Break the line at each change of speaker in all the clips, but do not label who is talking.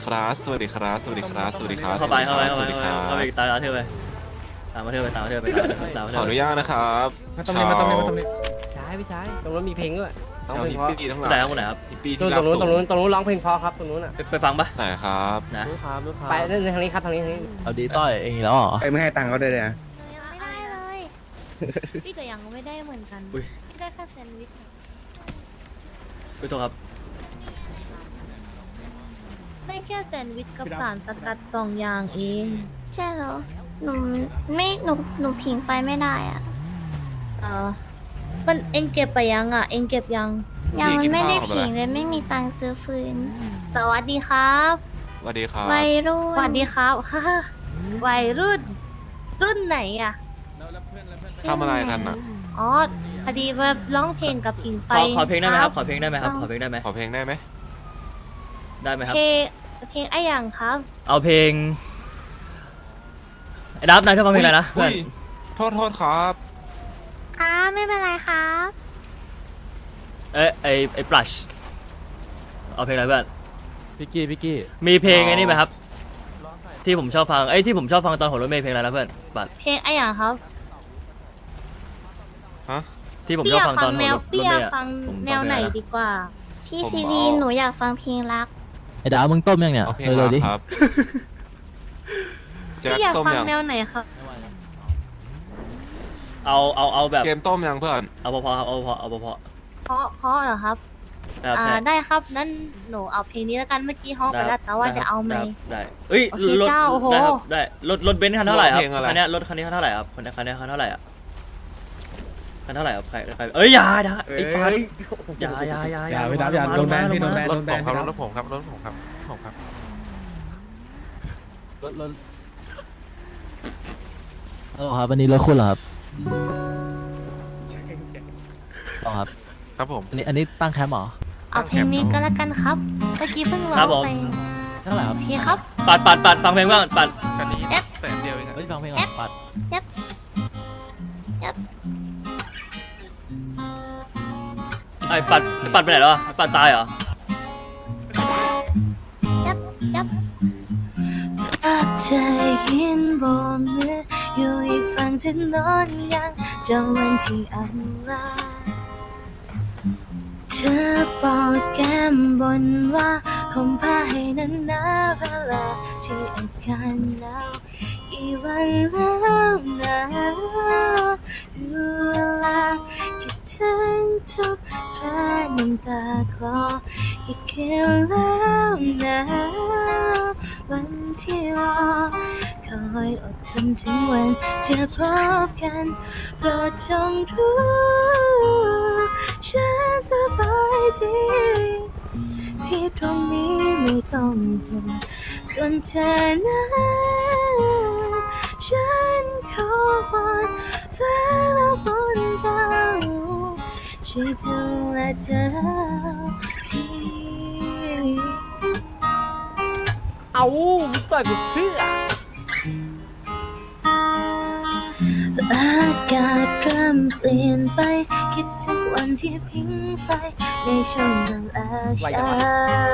ครับสวัสดีครับสวัสดีครับสวัสดีครับ
เข้าไปเข้าไป
สวัสดีครับ
เข้าไปตามมาเที่ยวไปตามมาเที่ยวไปตามมาเที่ยวไปตามมา
ข
เที่ยว
ออนุญาตนะครับ
มาตรงนี้มาตรงนี้มาตรงนี้ใช่พี่ชายตรงนู้นมีเพลงด้วยร้อง
ชาว
เพลง
ฮิป
เพราะ
ปี้ทั้งห
ไหน
ลาย
ครับคนไหนครับ
ฮิปปี้
ตร
ที่
ง
รับ
นู้น
สู
ตรงนู้นตรงนู้นร้องเพลงเพราะครับตรงนู้นอ่ะ
ไปฟังปะ
ไหนครับ
นะ
ลูกค้าลูกค้าไปเล่นทางนี้ครับทางนี้ทางนี้
เอาดีต้อยเองอีกแล้วเหรอ
ไม่ให้ตังค์เขาเลยนะ
ไม่ได้เลย พี่ก็ยังไม่ได้เหมือนกันพี่ได้แค่แซนด์วิช
ไปตัวครับ
ได้แค่แซนด์วิชกับสารสกัด2 อย่างเอง
ใช่เหรอ หนูไม่หนูผิงไฟไม่ได้อะ
เออมันเองเก็บไปยังอ่ะ เองเก็บยัง
ยังมันไม่ได้
พี่กินข้าวกับ
ผิง
อะไร
เลยไม่มีตังค์ซื้อฟืน
สวัสดีครับ
สวัสดีครับ
วัยรุ่
สวัน สดีครับ วัยรุ่น รุ่นไหนอ่ะ
ทำอะไรกันอ่ะ
อ๋อพอดีว่าร้องเพลงกับผิงไฟ
ขอเพลงได้ไหมครับขอเพลงได้ไหมครับขอเพลงได้ไหม
ขอเพลงได้ไหม
ได้ไหมครับ
เพลงไอ้อย่างครับ
เอาเพลงไอ้ดับนายชอบฟังเพลงอะไรนะเพื่
อุ้
อน
ยโทษครับ
ครับไม่เป็นไรครับ
ไอ้ปลัชเอาเพลงอะไรเพื่อน
พี่กี้
มีเพลงไอ้นี่ไหมครับ ที่ผมชอบฟังที่ผมชอบฟังตอนหัวรถเมล์เพลงอะไรนะเพื่อนบัตร
เพลงไอ้อย่างครับ
ฮะ
ที่ผม
พี่
ช
อ
อบ
ยาก
ฟัง
ฟั
ตอง นหั
แน
ว
ว
รถ
พี่
เม
อยาก
ล์อะ
ฟัง
ผม
แนวไหน
ฟังเพลงอะไร
ดีกว่า
พี่
ผม
ซีดี
เอา
หนูอยากฟังเพลงรัก
ไอ้ดาวมึงต้มยังเนี่ย
เอาเพลง
เร็
รั
ว
ก
ๆดิ
ครับแจ็ค
พี่อยาก
ต้ม
ฟัง
ยัง
แนวไหนครับ
เอาแบบ
เกมต้มยังเพื่อน
เอาพอๆครับเอาพอเอาพอ
เพราะเหรอครับ
ๆนะครับใช่
ได้ครับนั้นหนูเอาเพลงนี้แล้วกันเมื่อกี้ฮ้องไปแล้วแต่ว่าจะเอาไหม
ได้เอ้ย
โอเค
รถ
เจ้าโอ้โห
ได้ครับได้รถเบนซ์คันเท่าไหร่ครับ
เพลงอะไร
คันเนี้ยรถคันนี้คันเท่าไหร่ครับคันนี้คันเท่าไหร่อ่ะคันเท่าไหร่ครับใครเอ้ยอย่าไอ้ปานอย่า
อย่าไปดับอย่าโดนแบนพี่โดนแบนโดนแบนพี่ดับ
รถผมครับครับวันนี้รถคุณเหรอครับต่อครับ
ครับผม
อันนี้ตั้งแคมป์เหรอ
เอาเพลงนี้ก็แล้วกันครับเมื่อกี้เพิ่งร้องไป
เท่าไหร่ครับ
โอเคครับ
ปัดฟังเพลงบ้างปัด
คันนี้
เอ๊ะ
แสนเดียวเองอะ
เฮ้ยฟังเพลงก่อนปัด
ไอ้ปัดไปไหนแล้วปัดตายเหรอ
ยับยับ
ภาพเธอยืนบนมืออยู่อีกฝั่งถนนยังจำวันที่อำลาเธอบอกแก้มบนว่าห่มผ้าให้นานนาเวลาที่อากาศหนาวกี่วันแล้วนะรู้เวลาคิดถึงทุกคราน้ำตาคลอกี่คืนแล้วนะวันที่รอคอยอดทนถึงวันจะพบกันโปรดจงรู้ฉันสบายดีที่ตรงนี้ไม่ต้องห่วงส่วนเธอนั้นฉันขอวอนฟ้าและฝนดาวช่วยดูแลเธอที
เอาต่อยกูเพื่อ
อากาศเริ่มเปลี่ยนไปคิดถึงวันที่พิงไฟในช่วงเวลาเช้า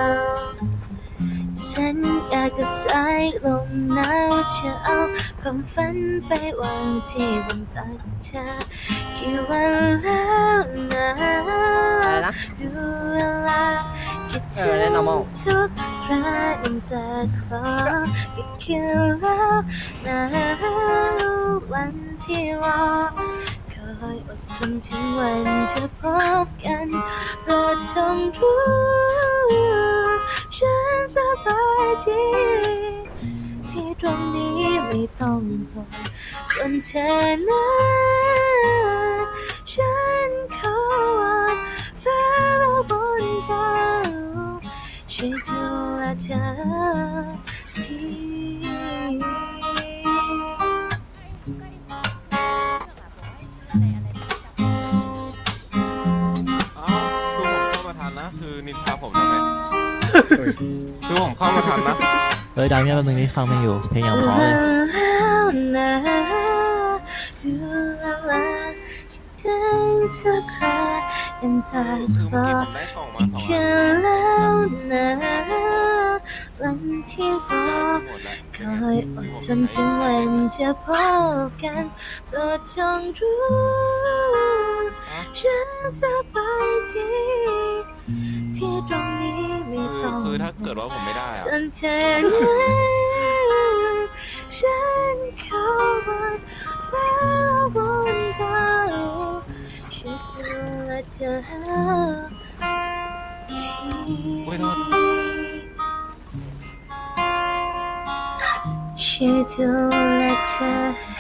ฉันอยากกับสายลมหนาวจะเอาความฝันไปวางที่บนตักเธอกี่วันแล้วนะ
อะไรนะ
รู้เวลาคิดถึ
เล่น normal
ทุกคราน้ำตาคลอกี่คืนแล้วนะวันที่รอคอยอดทนถึงวันจะพบกันโปรดจงรู้ฉันสบายดีที่ตรงนี้ไม่ต้องห่วงส่วนเธอนั้นฉันขอวอนฟ้าและบนดาวช่วยดูแลเธอที
เอ้าคือผมเข้ามาทันนะคือนินทาผมทำไมคือผมเข้ามาทันนะ
เฮ้ยดาวเนี่ยแป๊บนึงนี่ฟังเพลงอยู่เพลงอย่างเพราะเลย
แล้วนะรู้แล้วคิดถึงทุกคราน้ำตาค
คือ
ล
เมื่อ
อ
กี้ผมได้กล่องมา2 อัน
แค่แล้วนะววันที่รอ
หมดแล้ว
คอยอดจนถึงวันจะพบกันโปรดจงรู้ฉันสบายดีที่ตรงนี้ไม่ต้อง
คือถ้าเกิดว่าผมไม่ได้
ส
อะ
นเธอนั้นฉันเข้าวันฟ้าและวันดาวฉันจะและเธอที่
โอ้ยโทษ
ฉันจะและเธอ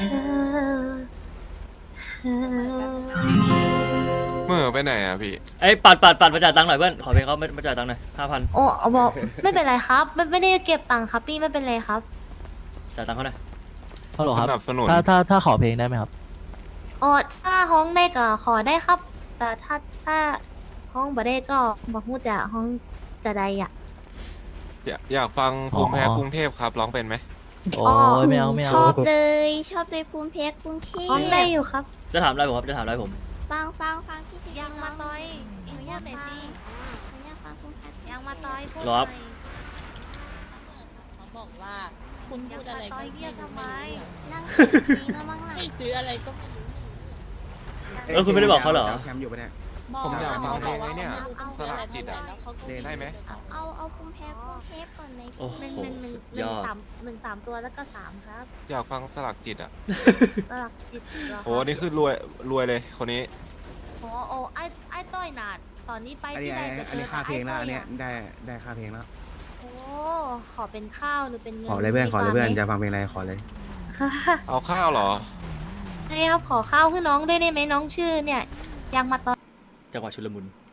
เมื่อไปไหนอะพี่
ไอ้ยปัดมาจ่ายตังค์หน่อยเพื่อนขอเพลงเขามาจ่ายตังค์หน่อย5,000
โอ้บอกไม่เป็นไรครับไม่ได้เก็บตังค์ครับพี่ไม่เป็นไรครับ
จ่ายตังค์เขาหน่อย
ฮัลโหลครับ
สนับสนุน
ถ้าขอเพลงได้ไหมครับ
อ๋อถ้าห้องได้ก็ขอได้ครับ แต่ถ้าห้องบ่ได้ก็บอกฮู้จะห้องจะใดอ่ะ
อยากฟังภูมิแพ้
อ๋อ
กรุงเทพครับร้องเป็นไหม
โอ้ยไม่เอา
ชอบเลยชอบเลยภูมิเพชรกรุงเทพ
ห้องได้อยู่ครับ
จะถามอะไรผมครับจะถามอะไรผม
ฟังพี่สิ
ยังมาต่อยอีกอย่างหน่อยสิ
หนูอยากฟังภูมิเพชร
ยังมาต่อยพูด
หรอครับ
เขาบอกว่าคุณ
ยั
พู
ง
ด
มา
อะไร
ต่
ก็
อย
ไม่
เรียกทำไม
นั่งกินแล้วมั้งล่ะ
ให้ซื้ออะไรก็ไม่รู้
คุณไม่ได้บอกเขาเหรอ
แคมป์อยู่ปะเนี่ย
ผมอยากฟังเพลง
บ
ไอ้เนี่ย
ว่าขา
สลักจิตอะ
แล้วเขาก็
ได้ไหม
เอาภูมิเพชรกรุงเทพก่อนไหม
โอ้
พี่
โห สุดยอด
1 3ตัวแล้วก็3ครับ
อยากฟังสลักจิตอะ
สลักจิตเหรอครับ
โอ้นี่คือรวยเลยคนนี้
โอ้ไอ้ต้อยหนาดตอนนี้ไป
อัน
ที่
นี้
ใดจะ
อันนี้ค่าเพลงแล้ว อันเนี้ย
ต้ยะ
ได้ค่าเพลงแล้ว
โอ้ขอเป็นข้าวหรือเป็นเงิน
ขอเลยเพื่อน
ดี
ขอเลยเพื่อน
กว่าไหม
จะฟังเพลงอะไรขอเลย
ค่ะ
เอาข้าวเหรอ
ใช่ครับขอข้าวให้น้องด้วยได้ไหมน้องชื่อเนี่ยยังมาตอน
จังหวะชุลมุน